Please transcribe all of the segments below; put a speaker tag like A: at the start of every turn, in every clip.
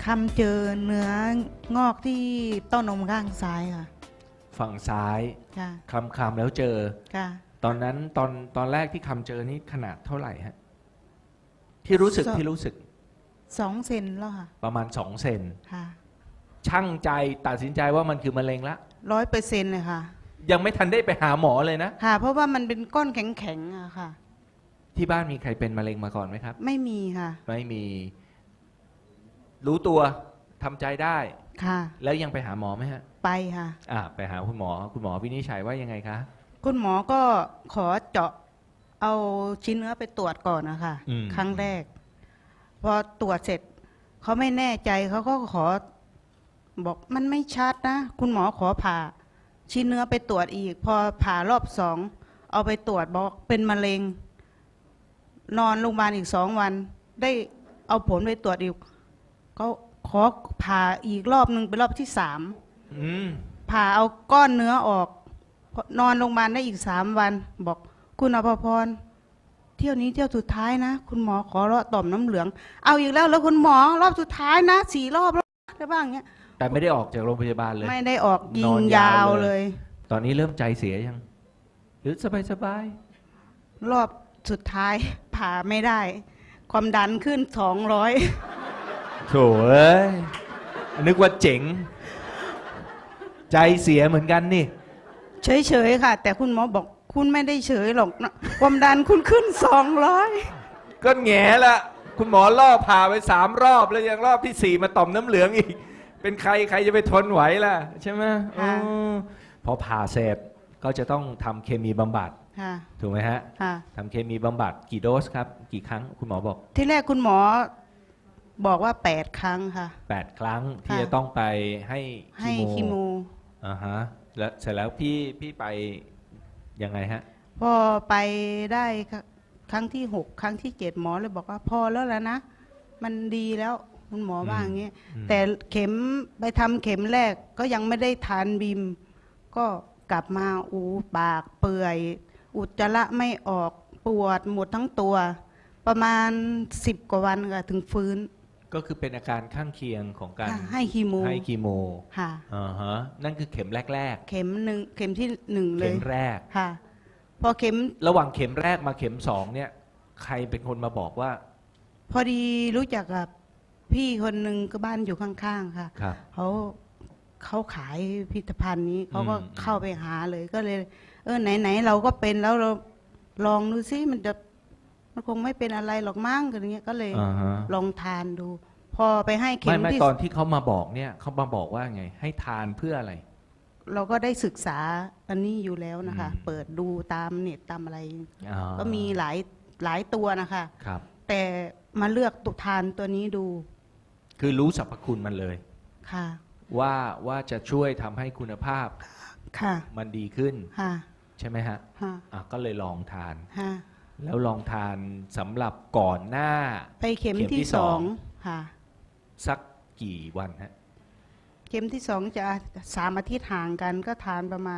A: คำเจอเนื้องอกที่เต้านมข้างซ้ายค่ะ
B: ฝั่งซ้าย
A: ค่ะ
B: คำแล้วเจอ
A: ค่ะ
B: ตอนนั้นตอนแรกที่แจอนี่ขนาดเท่าไหร่ฮะที่รู้สึก
A: 2 เซนแล้วค่ะ
B: ประมาณ2เซน
A: ค่ะ
B: ช่างใจตัดสินใจว่ามันคือมะเร็งละ
A: 100%เลยค่ะ
B: ยังไม่ทันได้ไปหาหมอเลยนะ
A: ค่ะเพราะว่ามันเป็นก้อนแข็งๆอะค่ะ
B: ที่บ้านมีใครเป็นมะเร็งมาก่อนไหมครับ
A: ไม่มีค่ะ
B: ไม่มีรู้ตัวทำใจได้
A: ค่ะ
B: แล้วยังไปหาหมอไหมฮะ
A: ไปค่ะ
B: ไปหาคุณหมอวินิจฉัยว่ายังไงคะ
A: คุณหมอก็ขอเจาะเอาชิ้นเนื้อไปตรวจก่อนนะคะครั้งแรกพอตรวจเสร็จเขาไม่แน่ใจเขาก็ขอบอกมันไม่ชัดนะคุณหมอขอผ่าชิ้นเนื้อไปตรวจอีกพอผ่ารอบ2เอาไปตรวจบอกเป็นมะเร็งนอนโรงพยาบาลอีก2 วันได้เอาผลไปตรวจอีกก็ขอผ่าอีกรอบนึงเป็นรอบที่3ผ่าเอาก้อนเนื้อออกนอนโรงพยาบาลได้อีก3 วันบอกคุณอภพรเที่ยวนี้เที่ยวสุดท้ายนะคุณหมอขอเลาะต่อมน้ำเหลืองเอาอีกแล้วคุณหมอรอบสุดท้ายนะ4 รอบแล้วได้บ้างเงี้ย
B: แต่ไม่ได้ออกจากโรงพยาบาลเลย
A: ไม่ได้ออกยิงยาวเลย
B: ตอนนี้เริ่มใจเสียยังหรือสบาย
A: รอบสุดท้ายผ่าไม่ได้ความดันขึ้น200
B: โถ่เอ้ยนึกว่าเจ๋งใจเสียเหมือนกันนี่
A: เฉยๆค่ะแต่คุณหมอบอกคุณไม่ได้เฉยหรอกนะความดันคุณขึ้น200
B: ก็แง่ละคุณหมอล่อผ่าไป3 รอบแล้วยังรอบที่4มาต่อมน้ำเหลืองอีกเป็นใครจะไปทนไหวล่ะใช่ไหมพอผ่าเสร็จก็จะต้องทำเคมีบำบัดถูกไหมฮะทำเคมีบำบัดกี่โดสครับกี่ครั้งคุณหมอบอก
A: ที่แรกคุณหมอบอกว่า8 ครั้งค่ะ
B: 8 ครั้งที่จะต้องไปให้คีโมฮะแล้วเสร็จแล้วพี่ไปยังไงฮะ
A: พอไปได้ครั้งที่6 ครั้งที่7หมอเลยบอกว่าพอแล้วล่ะนะมันดีแล้วคุณหมอว่าอย่างนี้แต่เข็มไปทำเข็มแรกก็ยังไม่ได้ทานบิมก็กลับมาปากเปื่อยอุจจาระไม่ออกปวดหมดทั้งตัวประมาณ10 กว่าวันค่ะถึงฟื้น
B: ก็คือเป็นอาการข้างเคียงของการ
A: ให้คีโม
B: ค่ะนั่นคือเข็มแรก
A: เข็ม1เข็มที่1เลย
B: เข็มแรก
A: ค่ะพอเข็ม
B: ระหว่างเข็มแรกมาเข็ม2เนี่ยใครเป็นคนมาบอกว่า
A: พอดีรู้จักกับพี่คนหนึ่งก็บ้านอยู่ข้างๆค่ะเขาขายพิพิธภัณฑ์นี้เขาก็เข้าไปหาเลยก็เลยไหนเราก็เป็นแล้วเราลองดูซิมันคงไม่เป็นอะไรหรอกมั้งอะไรเงี้ยก็เลยลองทานดูพอไปให้เข็ม
B: ที่ตอนที่เขามาบอกเนี่ยเขามาบอกว่าไงให้ทานเพื่ออะไร
A: เราก็ได้ศึกษาอันนี้อยู่แล้วนะคะเปิดดูตามเน็ตตามอะไรก็มีหลายตัวนะคะ
B: ครับ
A: แต่มาเลือกตุทานตัวนี้ดู
B: คือรู้สรรพคุณมันเลย
A: ค่ะ
B: ว่าจะช่วยทำให้คุณภาพ
A: ค่ะ
B: มันดีขึ้น
A: ค่ะ
B: ใช่ไหมฮะก็เลยลองทาน
A: ค่ะ
B: แล้วลองทานสำหรับก่อนหน้า
A: ไปเข็มที่2ค่ะ
B: สักกี่วันฮะ
A: เข็มที่2จะ3 อาทิตย์ห่างกันก็ทานประมาณ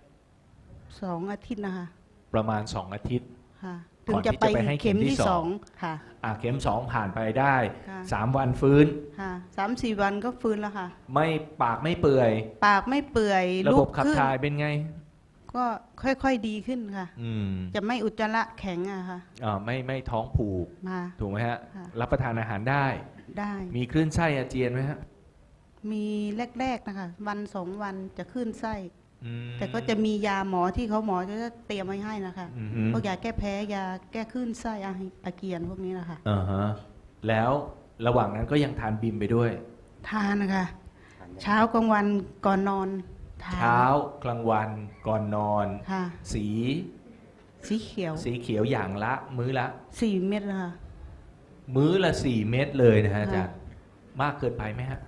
A: 2 อาทิตย์นะคะ
B: ประมาณ2 อาทิตย์
A: ค่ะถึงจะไปให้เข็มที่2ค่ะ
B: เข็ม2ผ่านไปได้3 วันฟื้น
A: ค่ะ3-4 วันก็ฟื้นแล้วค่ะ
B: ไม่ปากไม่เปื่อย
A: ปากไม่เปื่อย
B: ระบบขับถ่ายเป็นไง
A: ก็ค่อยๆดีขึ้นค่ะจะไม่อุจจาระแข็งอะค่ะ
B: ไม่ท้องผูกถูกไหมฮะรับประทานอาหารได้มีคลื่นไส้อาเจียนไหมฮะ
A: มีแรกๆนะคะวัน2 วันจะคลื่นไส้แต่ก็จะมียาหมอที่หมอจะเตรียมไว้ให้นะคะพวกยาแก้แพ้ยาแก้คลื่นไส้อาเกียนพวกนี้นะคะ
B: แล้วระหว่างนั้นก็ยังทานบิมไปด้วย
A: ทานนะคะเช้ากลางวันก่อนนอน
B: เช้ากลางวันก่อนนอนสี
A: เขี
B: ยวอย่างละมื้อละ
A: 4 เม็ดค่ะ
B: มื้อละ4 เม็ดเลยนะฮะอาจารย์มากเกินไปไหมฮะ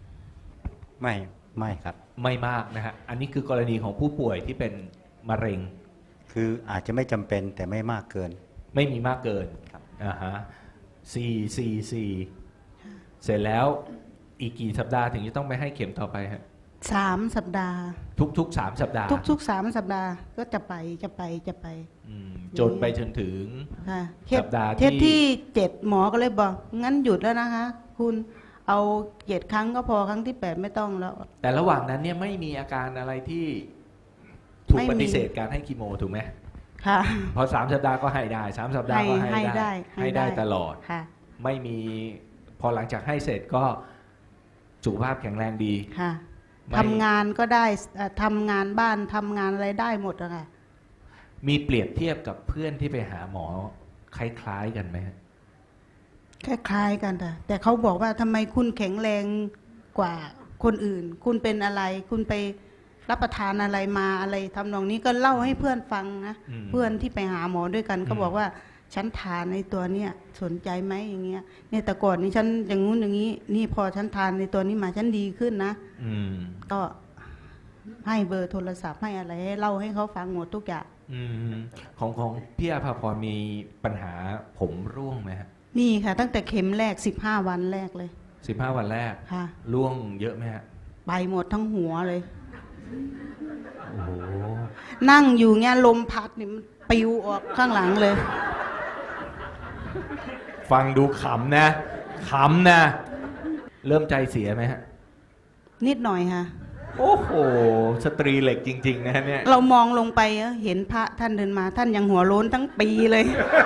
C: ไม่ครับ
B: ไม่มากนะฮะอันนี้คือกรณีของผู้ป่วยที่เป็นมะเร็ง
C: คืออาจจะไม่จำเป็นแต่ไม่มากเกิน
B: ไม่มีมากเกิน
C: ครับ
B: 4เสร็จแล้วอีกกี่สัปดาห์ถึงจะต้องไปให้เข็มต่อไปฮะ
A: 3 สัปดาห์
B: ทุก3 สัปดาห์
A: ทุก3 สัปดาห์ก็จะไป
B: จนไปจนถึงสัปดาห์
A: ที่7หมอก็เลยบอกงั้นหยุดแล้วนะคะคุณเอา7 ครั้งก็พอครั้งที่ 8ไม่ต้องแล้ว
B: แต่ระหว่างนั้นเนี่ยไม่มีอาการอะไรที่ถูก
A: ไม่มี
B: ปฏิเสธการให้คีโมถูกไหม
A: ค่ะ
B: พอ3 สัปดาห์ก็ให้ได้3 สัปดาห์ก็ให้ได้ให้ได้ตลอด
A: ค่ะ
B: ไม่มีพอหลังจากให้เสร็จก็สุขภาพแข็งแรงดี
A: ค่ะ
B: ไม่
A: ทำงานก็ได้ทำงานบ้านทำงานอะไรได้หมดอะค่ะ
B: มีเปรียบเทียบกับเพื่อนที่ไปหาหมอคล้ายๆกันไหมฮะ
A: คล้ายๆกันแต่เขาบอกว่าทำไมคุณแข็งแรงกว่าคนอื่น คุณเป็นอะไร คุณไปรับประทานอะไรมาอะไรทำนองนี้ก็เล่าให้เพื่อนฟังนะ เพื่อนที่ไปหาหมอด้วยกันก็บอกว่าฉันทานในตัวเนี้ยสนใจไหมอย่างเงี้ยเนี่ยแต่ก่อนนี้ฉันอย่างงู้นอย่างนี้นี่พอฉันทานในตัวนี้มาฉันดีขึ้นนะ
B: อืม
A: ก็ให้เบอร์โทรศัพท์ให้อะไรให้เล่าให้เขาฟังหมดทุกอย่าง
B: อืมของพี่อาภาพรมีปัญหาผมร่วงไหมฮะ
A: นี่ค่ะ ตั้งแต่เข็มแรก15 วันแรกเลย
B: 15 วันแรก
A: ค่ะ
B: ร่วงเยอะไหมฮะ
A: ไปหมดทั้งหัวเลย
B: โอ้โห
A: นั่งอยู่เงี้ยลมพัดนี่มันปลิวออกข้างหลังเลย
B: ฟังดูขำนะขำนะเริ่มใจเสียไหมฮะ
A: นิดหน่อยค่ะ
B: โอ้โหสตรีเหล็กจริงๆนะฮะเนี่ย
A: เรามองลงไปเห็นพระท่านเดินมาท่านยังหัวโล้นทั้งปีเลย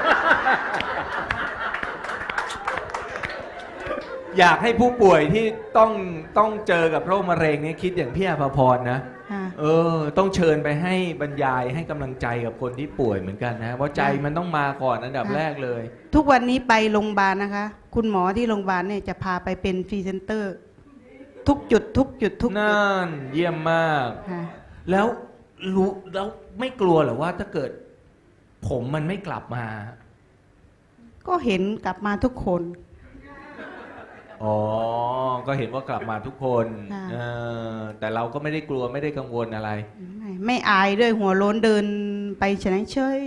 B: อยากให้ผู้ป่วยที่ต้องเจอกับโรคมะเร็งเนี่ยคิดอย่างพี่อาภาพรนะ
A: ค่ะ
B: ต้องเชิญไปให้บรรยายให้กำลังใจกับคนที่ป่วยเหมือนกันนะเพราะใจมันต้องมาก่อนอันดับแรกเลย
A: ทุกวันนี้ไปโรงพยาบาลนะคะ คุณหมอที่โรงพยาบาลเนี่ยจะพาไปเป็นพรีเซนเตอร์ ทุกจุดทุกจุดทุกจุด
B: นั่นเยี่ยมมาก
A: ค่ะ
B: แล้วไม่กลัวเหรอว่าถ้าเกิด ผมมันไม่กลับมา
A: ก็เห็นกลับมาทุกคน
B: อ๋อ ก็เห็นว่ากลับมาทุกคน
A: ค่ะ
B: แต่เราก็ไม่ได้กลัวไม่ได้กังวลอะไร
A: ไม่อายด้วยหัวโล้นเดินไปเฉยเฉย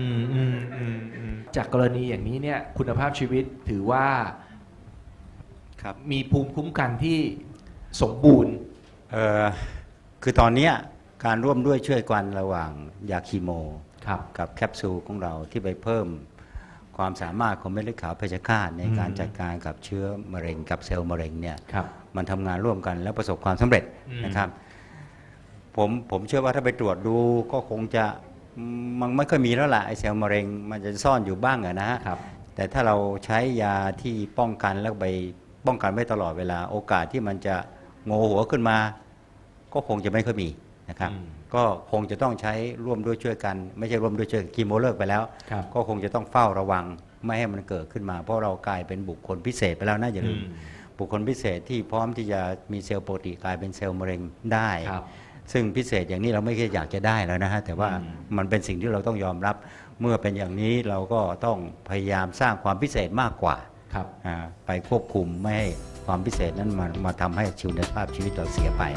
B: จากกรณีอย่างนี้เนี่ยคุณภาพชีวิตถือว่า
C: ครับ
B: มีภูมิคุ้มกันที่สมบูรณ์
C: คือตอนเนี้ยการร่วมด้วยช่วยกันระหว่างยาคีโม
B: ครับ
C: กับแคปซูลของเราที่ไปเพิ่มความสามารถของเม็ดเลือดขาวเพชฌฆาตในการจัดการกับเชื้อมะเร็งกับเซลล์มะเร็งเนี่ย
B: ครับ
C: มันทำงานร่วมกันแล้วประสบความสำเร็จ
B: อืม
C: นะครับผมเชื่อว่าถ้าไปตรวจดูก็คงจะมันไม่ค่อยมีแล้วล่ะไอเซลล์มะเร็งมันจะซ่อนอยู่บ้างอะนะฮะ
B: ครับ
C: แต่ถ้าเราใช้ยาที่ป้องกันแล้วไปป้องกันไว้ตลอดเวลาโอกาสที่มันจะโงหัวขึ้นมา ก็คงจะไม่ค่อยมีนะครับ
B: อืม
C: ก็คงจะต้องใช้ร่วมด้วยช่วยกัน ไม่ใช่ร่วมด้วยช่วยคีโมเลิกไปแล้ว
B: ครับ
C: ก็คงจะต้องเฝ้าระวังไม่ให้มันเกิดขึ้นมา เพราะเรากลายเป็นบุคคลพิเศษไปแล้วนะอย่าลืมบุคคลพิเศษที่พร้อมที่จะมีเซลล์ปกติกลายเป็นเซลล์มะเร็งได้
B: ครับ
C: ซึ่งพิเศษอย่างนี้เราไม่ใช่อยากจะได้แล้วนะฮะแต่ว่า
B: อืม
C: มันเป็นสิ่งที่เราต้องยอมรับ เมื่อเป็นอย่างนี้เราก็ต้องพยายามสร้างความพิเศษมากกว่า
B: ครับ
C: ไปควบคุมไม่ให้ความพิเศษนั้นมาทำให้ชีวิตภาพชีวิตเราเสียไป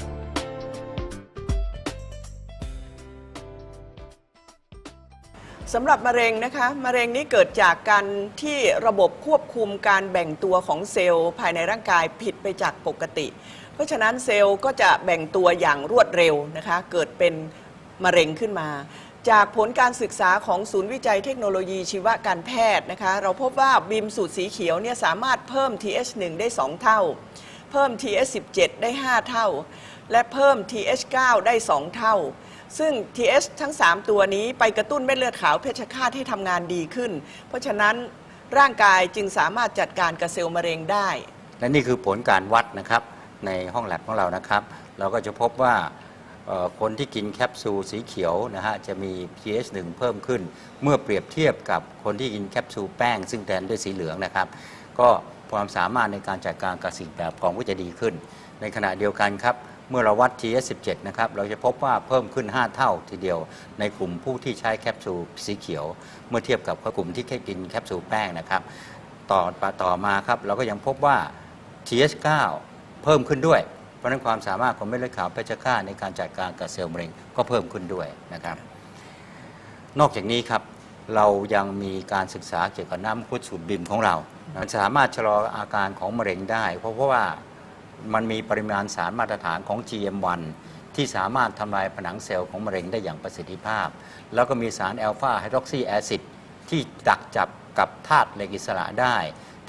D: สำหรับมะเร็งนะคะมะเร็งนี้เกิดจากการที่ระบบควบคุมการแบ่งตัวของเซลล์ภายในร่างกายผิดไปจากปกติ เพราะฉะนั้นเซลล์ก็จะแบ่งตัวอย่างรวดเร็วนะคะเกิดเป็นมะเร็งขึ้นมา จากผลการศึกษาของศูนย์วิจัยเทคโนโลยีชีวการแพทย์นะคะเราพบว่าบีมสูตรสีเขียวเนี่ยสามารถเพิ่ม TH1 ได้ 2 เท่า เพิ่ม TH17 ได้ 5 เท่า และเพิ่ม TH9 ได้ 2 เท่า ซึ่ง TH ทั้ง 3 ตัวนี้ไปกระตุ้นเม็ดเลือดขาวเพชฌฆาตให้ทำงานดีขึ้น เพราะฉะนั้นร่างกายจึงสามารถจัดการกับเซลล์มะเร็งได้
C: และนี่คือผลการวัดนะครับในห้องแลบของเรานะครับ เราก็จะพบว่าคนที่กินแคปซูลสีเขียวนะฮะจะมี pH 1 เพิ่มขึ้น เมื่อเปรียบเทียบกับคนที่กินแคปซูลแป้ง ซึ่งแทนด้วยสีเหลืองนะครับ ก็ความสามารถในการจัดการกับสิ่งแปลกปลอมก็จะดีขึ้น ในขณะเดียวกันครับเมื่อเราวัด TH 17นะครับเราจะพบว่าเพิ่มขึ้น 5 เท่าทีเดียวในกลุ่มผู้ที่ใช้แคปซูลสีเขียว เมื่อเทียบกับกลุ่มที่แค่กินแคปซูลแป้งนะครับต่อมาครับเราก็ยังพบว่า TH9 เพิ่มขึ้นด้วย เพราะฉะนั้นความสามารถของเม็ดเลือดขาวเพชฌฆาตในการจัดการกับเซลล์มะเร็งก็เพิ่มขึ้นด้วยนะครับนอกจากนี้ครับเรายังมีการศึกษาเกี่ยวกับน้ำมังคุดสูตรบิมของเรามันสามารถชะลออาการของมะเร็งได้เพราะว่ามันมีปริมาณสารมาตรฐานของ GM1 ที่สามารถทำลายผนังเซลล์ของมะเร็งได้อย่างประสิทธิภาพ แล้วก็มีสารแอลฟาไฮดรอกซีแอซิดที่ดักจับกับธาตุเหล็กอิสระได้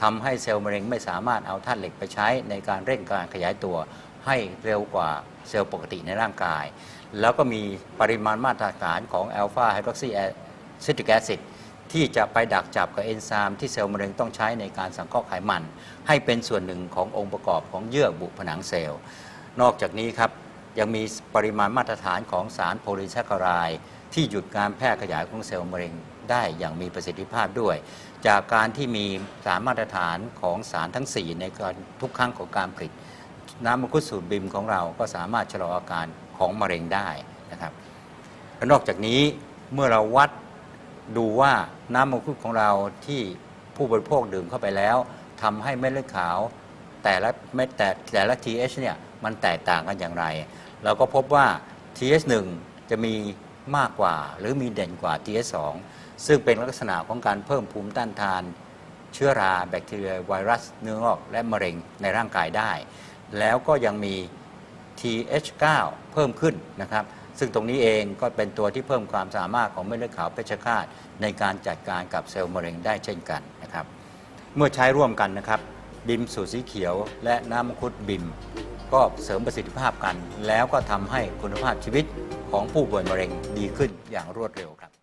C: ทำให้เซลล์มะเร็งไม่สามารถเอาธาตุเหล็กไปใช้ในการเร่งการขยายตัวให้เร็วกว่าเซลล์ปกติในร่างกาย แล้วก็มีปริมาณมาตรฐานของอัลฟาไฮดรอกซีซิตริกแอซิดที่จะไปดักจับกับเอนไซม์ที่เซลล์มะเร็งต้องใช้ในการสังเคราะห์ไขมันให้เป็นส่วนหนึ่งขององค์ประกอบของเยื่อบุผนังเซลล์นอกจากนี้ครับยังมีปริมาณมาตรฐานของสารโพลีแซคคาไรด์ที่หยุดการแพร่ขยายของเซลล์มะเร็งได้อย่างมีประสิทธิภาพด้วย จากการที่มีสารมาตรฐานของสารทั้ง 4 ในการทุกครั้งของการผลิตน้ำมังคุดสูตรบิมของเราก็สามารถชะลออาการของมะเร็งได้นะครับและนอกจากนี้เมื่อเราวัดดูว่าน้ำมังคุดของเราที่ผู้บริโภคดื่มเข้าไปแล้วทำให้เม็ดเลือดขาวแต่ละ TH เนี่ยมันแตกต่างกันอย่างไร เราก็พบว่า TH1 จะมีมากกว่าหรือมีเด่นกว่า TH2 ซึ่งเป็นลักษณะของการเพิ่มภูมิต้านทานเชื้อราแบคทีเรียไวรัสเนื้องอกและมะเร็งในร่างกายได้ แล้วก็ยังมี TH9 เพิ่มขึ้นนะครับซึ่งตรงนี้เองก็เป็นตัวที่เพิ่มความสามารถของเม็ดเลือดขาวเพชฌฆาตในการจัดการกับเซลล์มะเร็งได้เช่นกันนะครับเมื่อใช้ร่วมกันนะครับบิมสูตรสีเขียวและน้ำมังคุดบิมก็เสริมประสิทธิภาพกัน แล้วก็ทำให้คุณภาพชีวิตของผู้ป่วยมะเร็งดีขึ้นอย่างรวดเร็วครับ